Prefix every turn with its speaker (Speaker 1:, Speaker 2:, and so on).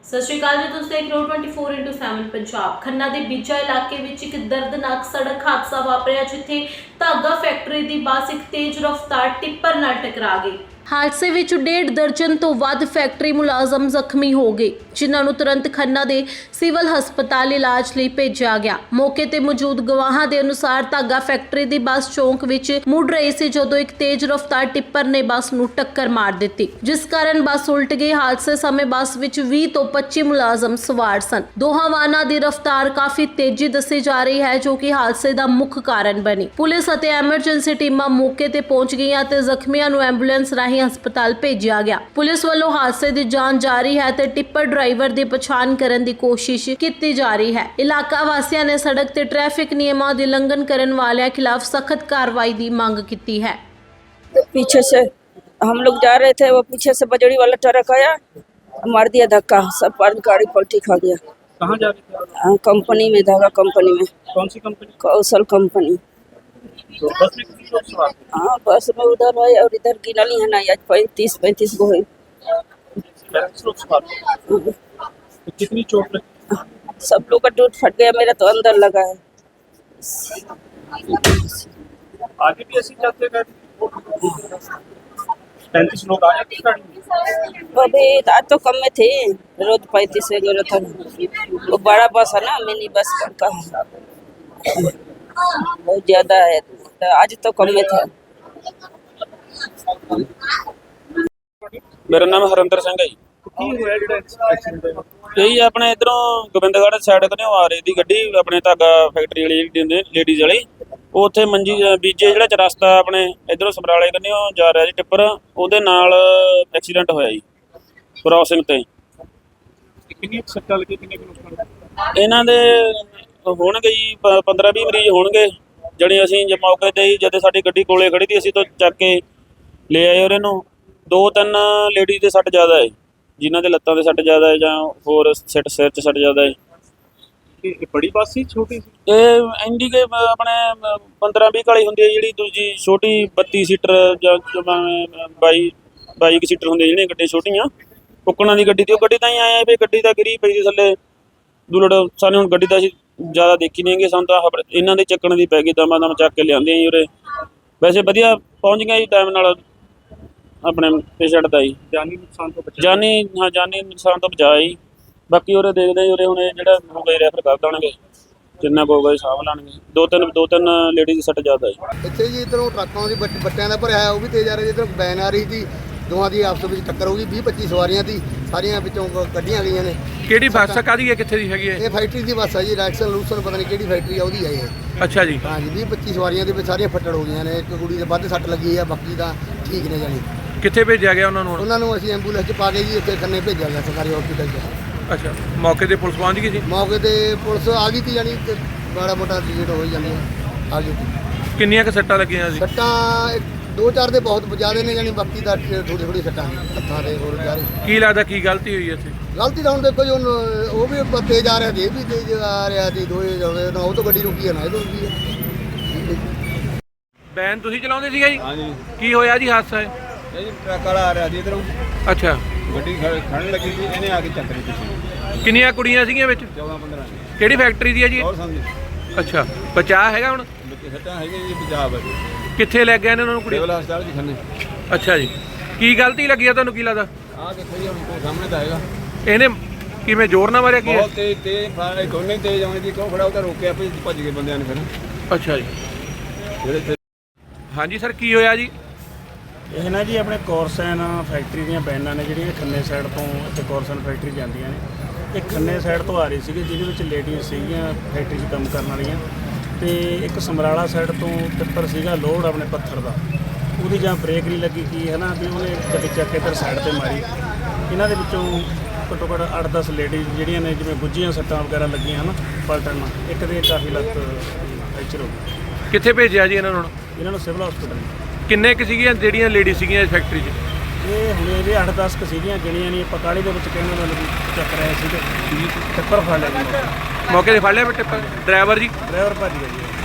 Speaker 1: ਸਤਿ ਸ਼੍ਰੀ ਅਕਾਲ ਜੀ, ਤੁਸੀਂ ਦੇਖ ਰਹੇ ਹੋ 24x7 ਪੰਜਾਬ। ਖੰਨਾ ਦੇ ਬੀਜਾ ਇਲਾਕੇ ਵਿੱਚ ਇੱਕ ਦਰਦਨਾਕ ਸੜਕ ਹਾਦਸਾ ਵਾਪਰਿਆ, ਜਿੱਥੇ ਧਾਗਾ ਫੈਕਟਰੀ ਦੀ ਬੱਸ ਇੱਕ ਤੇਜ਼ ਰਫ਼ਤਾਰ ਟਿੱਪਰ ਨਾਲ ਟਕਰਾ ਗਈ। ਹਾਦਸੇ ਵਿੱਚ 1.5 ਦਰਜਨ ਤੋਂ ਵੱਧ ਫੈਕਟਰੀ ਮੁਲਾਜ਼ਮ ਜ਼ਖਮੀ ਹੋ ਗਏ, ਜਿਨ੍ਹਾਂ ਨੂੰ ਤੁਰੰਤ ਖੰਨਾ ਦੇ ਸਿਵਲ ਹਸਪਤਾਲ ਇਲਾਜ ਲਈ ਭੇਜਿਆ ਗਿਆ। ਮੌਕੇ ਤੇ ਮੌਜੂਦ ਗਵਾਹਾਂ ਦੇ ਅਨੁਸਾਰ ਧਾਗਾ ਫੈਕਟਰੀ ਦੀ ਬੱਸ ਚੌਂਕ ਵਿੱਚ ਮੁੜ ਰਹੀ ਸੀ, ਜਦੋਂ ਇੱਕ ਤੇਜ਼ ਰਫ਼ਤਾਰ ਟਿੱਪਰ ਨੇ ਬੱਸ ਨੂੰ ਟੱਕਰ ਮਾਰ ਦਿੱਤੀ, ਜਿਸ ਕਾਰਨ ਬੱਸ ਉਲਟ ਗਈ। ਹਾਦਸੇ ਸਮੇਂ ਬੱਸ ਵਿੱਚ 20 ਤੋਂ 25 ਮੁਲਾਜ਼ਮ ਸਵਾਰ ਸਨ। ਦੋਹਾਂ ਵਾਹਨਾਂ ਦੀ ਰਫ਼ਤਾਰ ਕਾਫੀ ਤੇਜ਼ੀ ਦੱਸੀ ਜਾ ਰਹੀ ਹੈ, ਜੋ ਕਿ ਹਾਦਸੇ ਦਾ ਮੁੱਖ ਕਾਰਨ ਬਣੀ। ਪੁਲਿਸ ਅਤੇ ਐਮਰਜੈਂਸੀ ਟੀਮਾਂ ਮੌਕੇ ਤੇ ਪਹੁੰਚ ਗਈਆਂ ਤੇ ਜ਼ਖਮੀਆਂ ਨੂੰ ਐਂਬੂਲੈਂਸ ਰਾਹੀਂ ਹਸਪਤਾਲ ਭੇਜਿਆ ਗਿਆ। ਪੁਲਿਸ ਵੱਲੋਂ ਹਾਦਸੇ ਦੀ ਜਾਂਚ ਜਾਰੀ ਹੈ ਤੇ ਟਿੱਪਰ ਡਰਾਈਵਰ ਦੀ ਪਛਾਣ ਕਰਨ ਦੀ ਕੋਸ਼ਿਸ਼ ਕੀਤੀ ਜਾ ਰਹੀ ਹੈ। ਇਲਾਕਾ ਵਾਸੀਆਂ ਨੇ ਸੜਕ ਤੇ ਟ੍ਰੈਫਿਕ ਨਿਯਮਾਂ ਦੀ ਉਲੰਘਣ ਕਰਨ ਵਾਲਿਆਂ खिलाफ सख्त कार्रवाई की मांग की है।
Speaker 2: पीछे से हम लोग जा रहे थे, वो पीछे से बजड़ी वाला ट्रक आया, मार दिया धक्का, सब पर गाड़ी पलटी खा गया।
Speaker 3: कहाँ जा रहे थे?
Speaker 2: कंपनी में, धागा कंपनी में।
Speaker 3: कौन सी कंपनी?
Speaker 2: कौशल कंपनी।
Speaker 3: तो बस में कितने लोग सवार थे?
Speaker 2: हाँ, बस में उधर है और इधर गिनली है ना, आज 35 गो है।
Speaker 3: 35 लोग सवार थे। तो कितनी चोट लगी?
Speaker 2: सब लोग का टूट फट गया, मेरा तो अंदर लगा है।
Speaker 3: आगे भी ऐसे चलते गए? 35 लोग आए थे गाड़ी में?
Speaker 2: अभी आज तो कम में थे, रोज 35 से गए था। वो बड़ा बस है ना, मिनी बस का बहुत ज्यादा है, तो आज तो कम में था।
Speaker 4: मेरा नाम हरिंदर सिंह है जी।
Speaker 3: की होया जेड़ा एक्सीडेंट होया?
Speaker 4: यही अपने इधरों गोबिंदगढ़ साइड कन्नै आ रही थी गड्डी, अपने धागा फैक्ट्री वाली लेडीज वाली, ਉੱਥੇ ਮੰਜੀ ਬੀਜੇ ਜਿਹੜਾ ਰਸਤਾ ਆਪਣੇ ਇਧਰੋਂ ਸਮਰਾਲੇ ਕੰਨੇ ਜਾ ਰਿਹਾ ਜੀ ਟਿੱਪਰ, ਉਹਦੇ ਨਾਲ ਐਕਸੀਡੈਂਟ ਹੋਇਆ ਜੀ ਕ੍ਰਾਸਿੰਗ ਤੇ।
Speaker 3: ਕਿੰਨੀ ਸੱਟਾਂ ਲੱਗੀ, ਕਿੰਨੇ ਨੁਕਸਾਨ?
Speaker 4: ਇਹਨਾਂ ਦੇ ਹੋਣਗੇ ਜੀ 15-20 ਮਰੀਜ਼ ਹੋਣਗੇ। ਜਿਹੜੇ ਅਸੀਂ ਜੇ ਮੌਕੇ ਤੇ ਹੀ ਜਦੋਂ ਸਾਡੀ ਗੱਡੀ ਕੋਲੇ ਖੜੀ ਸੀ, ਅਸੀਂ ਤਾਂ ਚੱਕ ਕੇ ਲੈ ਆਏ ਉਹਨਾਂ ਨੂੰ। 2-3 ਲੇਡੀਜ਼ ਦੇ ਸੱਟ ਜ਼ਿਆਦਾ ਹੈ, ਜਿਨ੍ਹਾਂ ਦੇ ਲੱਤਾਂ ਦੇ ਸੱਟ ਜ਼ਿਆਦਾ ਹੈ ਜਾਂ ਹੋਰ ਸਿਰ 'ਚ ਸੱਟ ਜ਼ਿਆਦਾ ਹੈ।
Speaker 3: ਇਹ ਬੜੀ ਬੱਸ ਸੀ ਛੋਟੀ ਸੀ?
Speaker 4: ਇਹ ਇੰਡੀਕੇ ਆਪਣੇ 15-20 ਵਾਲੀ ਹੁੰਦੀ ਹੈ, ਜਿਹੜੀ ਦੂਜੀ ਛੋਟੀ 32 ਸੀਟਰ ਜਾਂ 22 ਸੀਟਰ ਹੁੰਦੀ ਜਿਹੜੀਆਂ ਗੱਡੀਆਂ ਛੋਟੀਆਂ ਕੁੱਕਣਾ ਦੀ ਗੱਡੀ। ਤੇ ਉਹ ਗੱਡੀ ਤਾਂ ਹੀ ਆਇਆ ਵੀ ਗੱਡੀ ਤਾਂ ਗਿਰੀ ਪਈ ਸੀ ਥੱਲੇ ਦੁਲੜ। ਸਾਨੂੰ ਹੁਣ ਗੱਡੀ ਤਾਂ ਅਸੀਂ ਜ਼ਿਆਦਾ ਦੇਖੀ ਨਹੀਂ ਹੈਗੀ, ਸਾਨੂੰ ਤਾਂ ਇਹਨਾਂ ਦੇ ਚੱਕਣ ਦੀ ਪੈ ਗਈ, ਦਮਾਂ ਦਮ ਚੱਕ ਕੇ ਲਿਆਂਦੇ ਜੀ ਉਰੇ। ਵੈਸੇ ਵਧੀਆ ਪਹੁੰਚ ਗਿਆ ਜੀ ਟਾਈਮ ਨਾਲ ਆਪਣੇ ਪੇਸ਼ੈਂਟ ਦਾ ਜੀ।
Speaker 3: ਜਾਨੀ ਨੁਕਸਾਨ ਤੋਂ ਬਚਾ?
Speaker 4: ਜਾਨੀ ਨੁਕਸਾਨ ਤੋਂ ਬਚਾਅ ਜੀ। ਬਾਕੀ ਉਰੇ ਦੇਖਦੇ ਜੀ, ਉਰੇ ਹੁਣ ਜਿਹੜਾ ਹੋ ਗਏ ਰੈਫਰ ਕਰ ਦੇਣਗੇ, ਜਿੰਨਾ ਕੁ ਹੋਊਗਾ ਸਾਂਭ ਲੈਣਗੇ। ਦੋ ਤਿੰਨ ਲੇਡੀਜ਼ ਦੀ ਸੱਟ ਜ਼ਿਆਦਾ ਹੈ
Speaker 5: ਇੱਥੇ ਜੀ। ਇੱਧਰੋਂ ਟਰੱਕਾਂ ਦੀ ਬੱਟਿਆਂ ਦਾ ਭਰਿਆ ਉਹ ਵੀ ਤੇਜ਼ ਆ ਰਿਹਾ, ਇੱਧਰ ਵੈਨ ਆ ਰਹੀ ਸੀ, ਦੋਵਾਂ ਦੀ ਆਪਸ ਵਿੱਚ ਟੱਕਰ ਹੋ ਗਈ। 20-25 ਸਵਾਰੀਆਂ ਸੀ, ਸਾਰੀਆਂ ਵਿੱਚੋਂ ਕੱਢੀਆਂ ਗਈਆਂ ਨੇ।
Speaker 3: ਕਿਹੜੀ ਬੱਸ ਕਾਹਦੀ ਹੈ, ਕਿੱਥੇ ਦੀ ਹੈਗੀ ਹੈ?
Speaker 5: ਇਹ ਫੈਕਟਰੀ ਦੀ ਬੱਸ ਹੈ ਜੀ, ਰੈਕਸਨ ਲੂਸਨ ਪਤਾ ਨਹੀਂ ਕਿਹੜੀ ਫੈਕਟਰੀ ਆ ਉਹਦੀ ਹੈ ਇਹ।
Speaker 3: ਅੱਛਾ ਜੀ।
Speaker 5: ਹਾਂ ਜੀ, 20-25 ਸਵਾਰੀਆਂ ਦੇ ਵਿੱਚ ਸਾਰੀਆਂ ਫੱਟੜ ਹੋ ਗਈਆਂ ਨੇ। ਇੱਕ ਕੁੜੀ ਦੇ ਵੱਧ ਸੱਟ ਲੱਗੀ ਆ, ਬਾਕੀ ਤਾਂ ਠੀਕ ਨੇ ਜਾਣੀ।
Speaker 3: ਕਿੱਥੇ ਭੇਜਿਆ ਗਿਆ ਉਹਨਾਂ ਨੂੰ?
Speaker 5: ਉਹਨਾਂ ਨੂੰ ਅਸੀਂ ਐਂਬੂਲੈਂਸ 'ਚ ਪਾ ਕੇ ਜੀ ਇੱਥੇ ਖੰਨੇ ਭੇਜਿਆ ਗਿਆ ਸਰਕਾਰੀ ਹਸਪੀਟਲ 'ਚ।
Speaker 3: ਅੱਛਾ, ਮੌਕੇ ਤੇ ਪੁਲਿਸ ਪਹੁੰਚ ਗਈ ਸੀ?
Speaker 5: ਮੌਕੇ ਤੇ ਪੁਲਿਸ ਆ ਗਈ ਸੀ, ਜਾਣੀ ਤੇ ਬੜਾ ਮੋਟਾ ਡਿਲੀਟ ਹੋ ਜਾਂਦੀ ਆ ਗਈ ਸੀ।
Speaker 3: ਕਿੰਨੀਆਂ ਕੁ ਸੱਟਾਂ ਲੱਗੀਆਂ ਸੀ?
Speaker 5: ਸੱਟਾਂ 2-4 ਦੇ ਬਹੁਤ ਜ਼ਿਆਦਾ ਨੇ, ਜਾਣੀ ਬਾਕੀ ਦਾ ਥੋੜੀ ਸੱਟਾਂ ਹੱਥਾਂ ਦੇ ਹੋਰ ਜਾ ਰਹੇ।
Speaker 3: ਕੀ ਲੱਗਦਾ ਕੀ ਗਲਤੀ ਹੋਈ ਇੱਥੇ?
Speaker 5: ਗਲਤੀ ਤਾਂ ਹੁਣ ਦੇਖੋ ਜੀ, ਉਹ ਵੀ ਤੇਜ਼ ਆ ਰਿਹਾ ਸੀ, ਇਹ ਵੀ ਤੇਜ਼ ਆ ਰਿਹਾ ਸੀ, ਦੋਏ ਜਾਵੇ ਨਾ। ਉਹ ਤਾਂ ਗੱਡੀ ਰੁਕੀ ਹੈ ਨਾ, ਇਹ ਤੋਂ ਰੁਕੀ ਹੈ।
Speaker 3: ਵੈਨ ਤੁਸੀਂ ਚਲਾਉਂਦੇ ਸੀਗਾ ਜੀ?
Speaker 6: ਹਾਂਜੀ।
Speaker 3: ਕੀ ਹੋਇਆ ਜੀ ਹਾਦਸਾ?
Speaker 6: ਇਹ ਜੀ ਟਰੱਕ ਵਾਲਾ ਆ ਰਿਹਾ ਸੀ ਇਧਰੋਂ,
Speaker 3: ਅੱਛਾ।
Speaker 6: ਗੱਡੀ ਖੜਨ ਲੱਗੀ ਸੀ, ਇਹਨੇ ਆ ਕੇ ਚੱਕ ਲਈ ਪਿੱਛੇ।
Speaker 3: ਕਿੰਨੀਆਂ ਕੁੜੀਆਂ ਸੀਗੀਆਂ ਵਿੱਚ?
Speaker 6: 14-15।
Speaker 3: ਕਿਹੜੀ ਫੈਕਟਰੀ ਦੀ ਹੈ ਜੀ?
Speaker 6: ਹੋਰ ਸਮਝੀ
Speaker 3: ਅੱਛਾ, ਬਚਾਅ ਹੈਗਾ ਹੁਣ?
Speaker 6: ਬੱਚੇ ਸੱਟਾਂ ਹੈਗੀਆਂ ਜੀ, ਪੰਜਾਬ
Speaker 3: ਕਿੱਥੇ ਲੈ ਗਏ ਨੇ ਉਹਨਾਂ ਨੂੰ ਕੁੜੀ?
Speaker 6: ਸਿਵਲ ਹਸਪਤਾਲ ਜੀ ਖੰਨੇ।
Speaker 3: ਅੱਛਾ ਜੀ। ਕੀ ਗਲਤੀ ਲੱਗੀ ਆ ਤੁਹਾਨੂੰ, ਕੀ ਲੱਗਦਾ?
Speaker 6: ਆਹ ਦੇਖੋ ਜੀ, ਹੁਣ ਕੋਈ ਸਾਹਮਣੇ ਤਾਂ ਹੈਗਾ।
Speaker 3: ਇਹਨੇ ਕਿਵੇਂ ਜ਼ੋਰ ਨਾਲ ਮਾਰਿਆ? ਕੀ
Speaker 6: ਬਹੁਤ ਤੇਜ਼ ਫਾਇਰ, ਦੋਨੇ ਤੇਜ਼ ਆਉਣੇ ਦੀ ਕਿਉਂ ਖੜਾ, ਉਹ ਤਾਂ ਰੋਕਿਆ ਭੱਜ ਗਏ ਬੰਦਿਆਂ ਨੇ ਫਿਰ।
Speaker 3: ਅੱਛਾ ਜੀ।
Speaker 6: ਜਿਹੜੇ
Speaker 3: ਹਾਂਜੀ ਸਰ, ਕੀ ਹੋਇਆ ਜੀ?
Speaker 7: ਇਹ ਨਾ ਜੀ ਆਪਣੇ ਕੋਰਸਨ ਫੈਕਟਰੀ ਦੀਆਂ ਵੈਨਾਂ ਨੇ, ਜਿਹੜੀਆਂ ਖੰਨੇ ਸਾਈਡ ਤੋਂ ਇੱਥੇ ਕੋਰਸਨ ਫੈਕਟਰੀ ਜਾਂਦੀਆਂ ਨੇ। ਇਹ ਖੰਨੇ ਸਾਈਡ ਤੋਂ ਆ ਰਹੀ ਸੀਗੀ, ਜਿਹਦੇ ਵਿੱਚ ਲੇਡੀਜ਼ ਸੀਗੀਆਂ ਫੈਕਟਰੀ 'ਚ ਕੰਮ ਕਰਨ ਵਾਲੀਆਂ, ਤੇ ਇੱਕ ਸਮਰਾਲਾ ਸਾਈਡ ਤੋਂ ਟਿੱਪਰ ਸੀਗਾ ਲੋਡ ਆਪਣੇ ਪੱਥਰ ਦਾ, ਉਹਦੀ ਜਾਂ ਬ੍ਰੇਕ ਨਹੀਂ ਲੱਗੀ ਕੀ ਹੈ ਨਾ, ਵੀ ਉਹਨੇ ਗੱਡੀ ਚੱਕ ਕੇ ਇੱਧਰ ਸਾਈਡ 'ਤੇ ਮਾਰੀ। ਇਹਨਾਂ ਦੇ ਵਿੱਚੋਂ ਘੱਟੋ ਘੱਟ 8-10 ਲੇਡੀਜ਼ ਜਿਹੜੀਆਂ ਨੇ, ਜਿਵੇਂ ਗੁੱਝੀਆਂ ਸੱਟਾਂ ਵਗੈਰਾ ਲੱਗੀਆਂ ਹਨ ਪਲਟਣ ਨਾਲ, ਇੱਕ ਦੇ ਕਾਫੀ ਲੱਤ ਫ੍ਰੈਕਚਰ ਹੋ ਗਈ।
Speaker 3: ਕਿੱਥੇ ਭੇਜਿਆ ਜੀ ਇਹਨਾਂ ਨੂੰ?
Speaker 7: ਇਹਨਾਂ ਨੂੰ ਸਿਵਲ ਹਸਪੀਟਲ।
Speaker 3: ਕਿੰਨੇ ਕੁ ਸੀਗੀਆਂ ਜਿਹੜੀਆਂ ਲੇਡੀ ਸੀਗੀਆਂ ਇਸ ਫੈਕਟਰੀ 'ਚ?
Speaker 7: ਇਹ ਹੁਣ ਇਹਦੇ 8-10 ਕੁ ਸੀਗੀਆਂ, ਗਿਣੀਆਂ ਨਹੀਂ ਆਪਾਂ। ਕਾਹਲੀ ਦੇ ਵਿੱਚ ਕਹਿੰਦੇ ਮਤਲਬ ਚੱਕ ਰਹੇ ਸੀ ਤੇ ਟਿੱਪਰ ਫੜ ਲਿਆ ਜੀ।
Speaker 3: ਮੌਕੇ ਤੇ ਫੜ ਲਿਆ ਟਿੱਪਰ ਡਰਾਈਵਰ ਜੀ?
Speaker 7: ਡਰਾਈਵਰ ਭੱਜ ਗਿਆ ਜੀ।